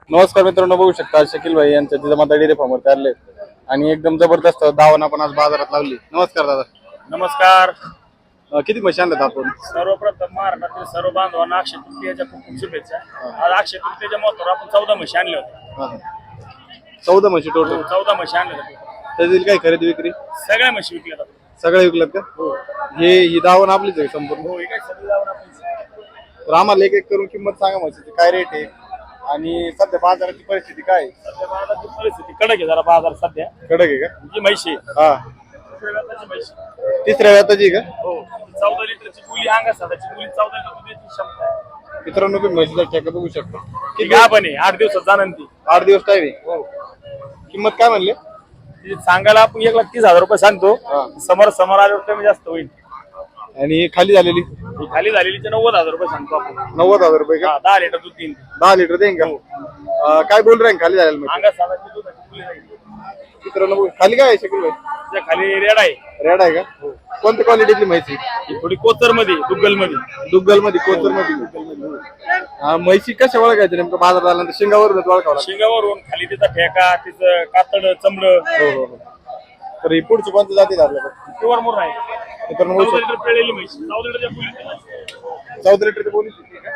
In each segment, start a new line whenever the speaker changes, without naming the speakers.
नमस्कार मित्रांनो, बघू शकता शकील भाई यांच्या जिजामाता डेअरी फार्मवर आले आणि एकदम जबरदस्त दावण आपण आज बाजारात लावली. नमस्कार दादा.
नमस्कार.
किती म्हशी आणल्यात आपण?
सर्वप्रथम महाराष्ट्रातील सर्व बांधवांना अक्षय तृतीयेच्या खूप खूप शुभेच्छा. आज अक्षय तृतीयेच्या महत्वावर आपण 14 म्हशी आणल्या होत्या.
14 म्हशी टोटल.
14 म्हशी आणल्या होत्या.
त्यातील काही खरेदी विक्री?
सगळ्या म्हशी विकल्या जातात.
सगळ्या विकल्यात का? ही दावण आपलीच आहे संपूर्ण?
हो, काय सगळी जाऊन आपण
तर आम्हाला एक एक करून किंमत सांगा म्हशीची, काय रेट आहे आणि सध्या बाजाराची परिस्थिती काय आहे?
सध्या बाजाराची परिस्थिती कडक आहे जरा बाजार सध्या.
कडक आहे का?
जी म्हशी
हा, तिसऱ्या व्याताची का?
हो, 14 लिटरची बोली अंगा साधाची बोली 14 लिटर दुधाची क्षमता आहे.
मित्रांनो, तुम्ही म्हशीचा ठेका बघू शकता.
ती गाभण आहे, 8 दिवसात जाणार ती.
8 दिवस टाइम आहे. किंमत काय म्हणले?
ती सांगायला आपण 1,30,000 रुपये सांगतो. समोर आल्यावर कमी जास्त होईल.
आणि खाली झालेली?
ही खाली झालेली 90,000 रुपये सांगतो आपण.
90,000 रुपये का?
10 लिटर दूध देईन.
10 लिटर देईन का? काय बोल रहे खाली झालेलं म्हणजे?
अंगा साधाची दुधाची बोली राहील.
मित्रांनो, खाली काय आहे शकील भाई?
त्या खाली रेड आहे.
रेड आहे का? कोणत्या क्वालिटीतली म्हैसी?
ही थोडी कोचर मध्ये, दुग्गल मध्ये.
दुग्गल मध्ये, कोचर मध्ये. म्हैसी कशा ओळखायचं नेमकं बाजारात आल्यानंतर? शिंगावरूनच ओळखावं लागतं?
शिंगावरून खाली तिचा ठेका, तिचं कातड, चमड.
हो. तर ही पुढची कोणत्या जाती आपल्याकडे?
प्युअर मोर आहे.
मित्रांनो,
14 लिटर पिळलेली म्हैस. 14 लिटरच्या बोली.
14 लिटरची बोली.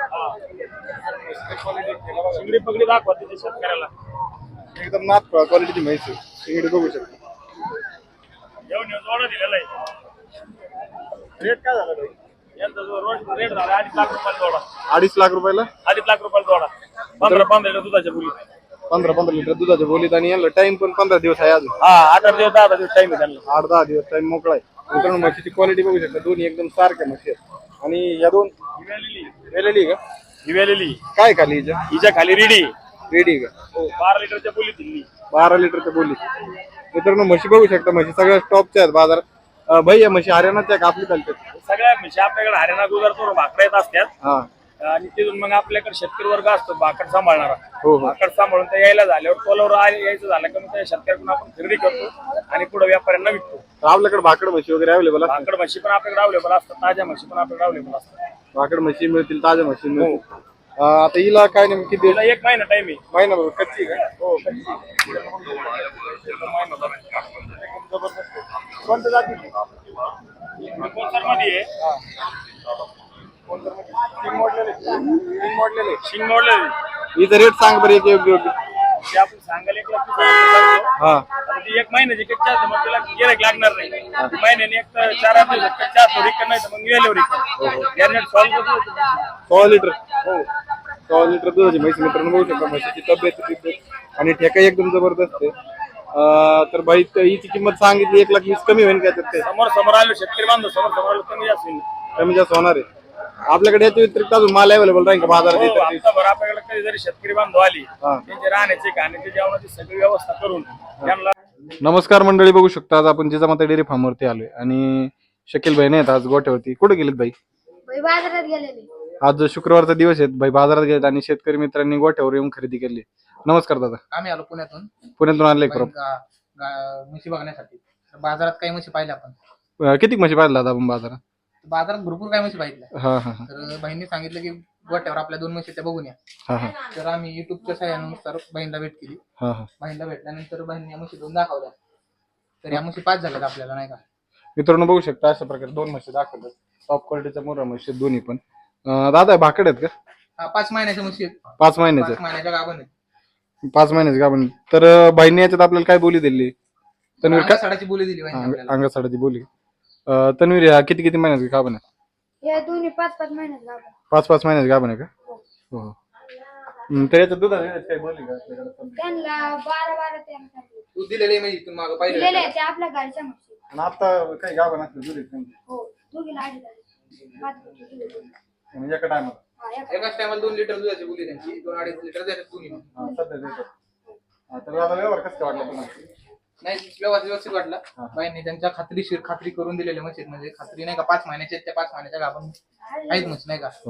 शिंगडी पगडी दाखवा तिथे शेतकऱ्याला.
एकदम नाथ क्वालिटीची म्हैस आहे. शिंगडी बघू शकता.
येऊन जोडा दिलेला आहे. रेट काय झाला भाई? यांचा जो रेट झाला 2.5 लाख रुपयाला जोडा.
2.5 लाख रुपयाला?
2.5 लाख रुपयाला जोडा. 15 लिटर दुधाच्या बोली.
15 लिटर दुधाच्या बोलीत. आणि याला टाइम पण 15 दिवस आहे अजून.
हा, 8 दिवस 10 दिवस टाइम आहे त्यांना.
8-10 दिवस टाइम मोकळा आहे. मित्रांनो, म्हशीची क्वालिटी बघू शकता. दोन्ही एकदम सारख्या म्हशी आहेत. आणि या दोन वेलेली का?
ही वेलेली.
काय खाली हिच्या?
हिच्या खाली रेडी.
रेडी का?
हो, 12 लिटरच्या बोली दिली.
12 लिटरच्या बोलीत. मित्रांनो, म्हशी बघू शकता. म्हशी सगळ्या टॉपच्या आहेत बाजारात. भाई, या म्हशी हरियाणाच्या का आपली चालतात?
सगळ्या म्हशी आपल्याकडे हरियाणा गुजरातवरून भाकऱ्या येत असतात.
हा.
आणि तिथून मग आपल्याकडे शेतकरी वर्ग असतो भाकर सांभाळणारा.
हो.
भाकर सांभाळून ते यायला झाल्यावर कोलावर यायचं झालं की मग त्या शेतकऱ्याकडून आपण खरेदी करतो आणि पुढे व्यापाऱ्यांना विकतो.
तर आपल्याकडे भाकड म्हशी वगैरे अवेलेबल असतात?
भाकड म्हशी पण आपल्याकडे अवेलेबल असतात, ताज्या म्हशी पण आपल्याकडे अवेलेबल असतात.
भाकड म्हशी मिळतील, ताज्या म्हशी मिळतील. आता हिला काय नेमकी किती?
तिला 1 महिना टाइम आहे.
महिनाभर कच्ची का?
हो, कोणत्या जाती? मध्ये शिंग मोडलेली.
हिचं रेट सांग बरं. एक योग्य
ते आपण सांगायला 1,30,000
हा.
आता ती 1 महिन्याची कच्ची असते, मग तिला गिऱ्हाईक लागणार नाही. महिन्याने एक तर 4 दिवसात कच्ची असतो, रिकन नाही तर मग वेळेवर रिकन. गॅरनेट सॉल्व करतो.
100 लिटर.
हो,
100 लिटर दुधाची म्हैस. मित्रांनो, बघू शकता म्हशीची तब्येत आणि ठेका एकदम जबरदस्त आहे. तर भाई, हिची किंमत सांगितली 1,20,000. कमी होईल काय त्यात?
समोर आलो शेतकरी बांधव, समोर आलो कमी जास्त होईल.
कमी जास्त होणार आहे. आपल्याकडे याच्या व्यतिरिक्त अजून माल अवेलेबल राहील का बाजारात?
हो, हप्ताभर आपल्याकडे कधी जरी शेतकरी बांधव आली,
हा.
त्यांचे राहण्याची, खाण्याची, जेवणाची सगळी व्यवस्था करून त्यांना.
नमस्कार मंडळी, बघू शकता आज आपण जिजामाता डेअरी फार्मवरती आलोय आणि शकील भाई नाही आज गोठ्यावरती. कुठे गेलेत भाई?
बाजारात गेलेले.
आज शुक्रवारचा दिवस आहे भाई, बाजारात गेलेत आणि शेतकरी मित्रांनी गोठ्यावर येऊन खरेदी केली. नमस्कार दादा.
आम्ही आलो पुण्यातून
आणले
म्हशी बघण्यासाठी. बाजारात काही म्हशी पाहिल्या आपण.
किती म्हशी पाहिला दादा आपण बाजारात?
बाजारात भरपूर काही म्हशी पाहिल्या.
हा हा
तर बहिणीने सांगितलं की गोट्यावर आपल्या 2 म्हशी त्या बघून या.
हा हा
तर आम्ही युट्यूबच्या सहाय्यानुसार बहिणीला भेट केली.
हा हा.
बहिणीला भेटल्यानंतर बहिणी या म्हशी 2 दाखवल्या. तर या म्हशी 5 झाल्यात आपल्याला, नाही का?
मित्रांनो, बघू शकता अशा प्रकारे 2 म्हशी दाखवतात. टॉप क्वालिटीच्या मोरा म्हशी दोन्ही पण. दादा, भाकड आहेत का?
हा, 5 महिन्याच्या म्हशी आहेत.
5 महिन्याचे?
5 महिन्याच्या गाभण आहेत.
5 महिन्याचे गाभण. तर बहिणी याच्यात आपल्याला काय बोली दिली? तन्वीर का?
अंगासाडाची बोली दिली बहिणी आपल्याला.
अंगासाडाची बोली. तन्वीर, ह्या किती महिन्याचे गाभण आहे?
या दोन्ही 5-5 महिन्यात गाभण.
5-5 महिन्याचे गाभण आहे का? हो. तर याच्यात दुधाची काही बोली का आपल्याकडे?
त्यांना 12-12 त्यांना
तू दिलेली म्हणजे इथून मागं
दिलेले
पाहिजे.
आहे ते आपल्या गाडीच्या म्हशी.
आणि आता काही गाभण असते दुधाची
हो, दोघीला 2.5
म्हणजे एका टायमाला?
एकाच टायमाला 2 लिटर दुधाची बोली त्यांची. 2-2.5 लिटर देतात दोन्ही.
सध्या देतात. तर आता व्यवहार कसं वाटला तुम्हाला?
नाही, व्यवस्थित वाटला. बाईंनी त्यांच्या खात्रीशीर खात्री करून दिलेल्या म्हशी, म्हणजे खात्री नाही का 5 महिन्याचे, त्या 5 महिन्याच्या गाभण आहेत म्हशी, नाही का?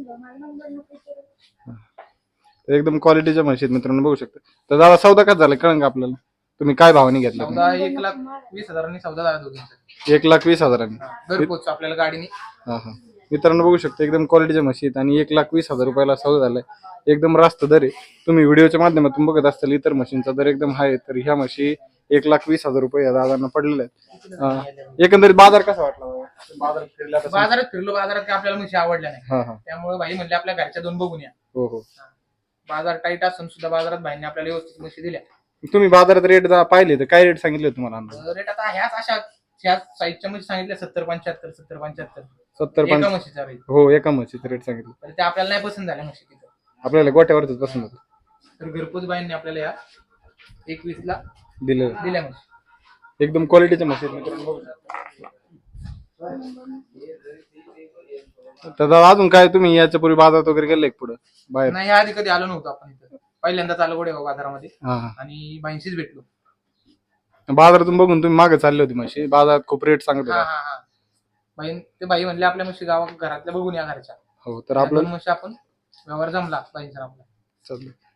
एकदम क्वालिटीच्या म्हशी आहेत मित्रांनो, बघू शकता. तर दादा, सौदा काय झाला कळंन का आपल्याला? तुम्ही काय भावाने घेतला?
सौदा 1,20,000 सौदा झाला दोघींचा.
1,20,000.
घरपोच आपल्याला गाडीने.
हा हा. मित्रांनो बघू शकता एकदम क्वालिटीच्या म्हशी आहेत आणि 1,20,000 रुपयाला सौदा झालाय. एकदम रास्त दर आहे. तुम्ही व्हिडिओच्या माध्यमातून बघत असताल इतर म्हशींचा दर एकदम हाय, तर ह्या म्हशी 1,20,000 रुपये या दादांना पडलेले आहेत. एकंदरीत बाजार कसा वाटला बाबा? बाजारात फिरला तसं?
बाजारात फिरलो, बाजारात काही आपल्याला म्हशी आवडल्या नाही.
हा हा.
त्यामुळे भाई म्हणले आपल्या घरच्या 2 बघून या.
हो हो.
बाजार टाईट असून सुद्धा बाजारात भाईंनी आपल्याला व्यवस्थित म्हशी दिल्या.
तुम्ही बाजारात रेट पाहिले तर काय रेट सांगितले तुम्हाला अंदाज?
रेट आता ह्याच साईजच्या मध्ये सांगितलं 70-75, 70-75
70
एका म्हशीचा रेट.
हो, एका म्हशीचे रेट सांगितले.
तर ते आपल्याला नाही पसंत झाल्या म्हशी तिथं.
आपल्याला गोट्यावरच पसंत होतं.
तर घरपोच बाईंनी आपल्याला या 21ला
दिलं.
दिल्या म्हशी.
एकदम क्वालिटीच्या म्हशी आहेत मित्रांनो बघू शकता. तर दादा अजून काय तुम्ही याच्या पूर्वी बाजारात वगैरे गेले पुढे बाहेर?
नाही, आधी कधी आलो नव्हतो आपण इथं. पहिल्यांदाच आलो गोडेगाव बाजारामध्ये
हा हा.
आणि बाईंशीच भेटलो.
बाजारातून बघून तुम्ही मागे चालले होते म्हशी, बाजारात खूप रेट सांगत
हा
होता.
हा हा. बाई म्हणले आपल्या म्हशी घरातल्या बघून या घरच्या.
हो तर
त्या
आपलं
2 म्हशी आपण व्यवहार जमला बाईंचा आपला.
चाललं.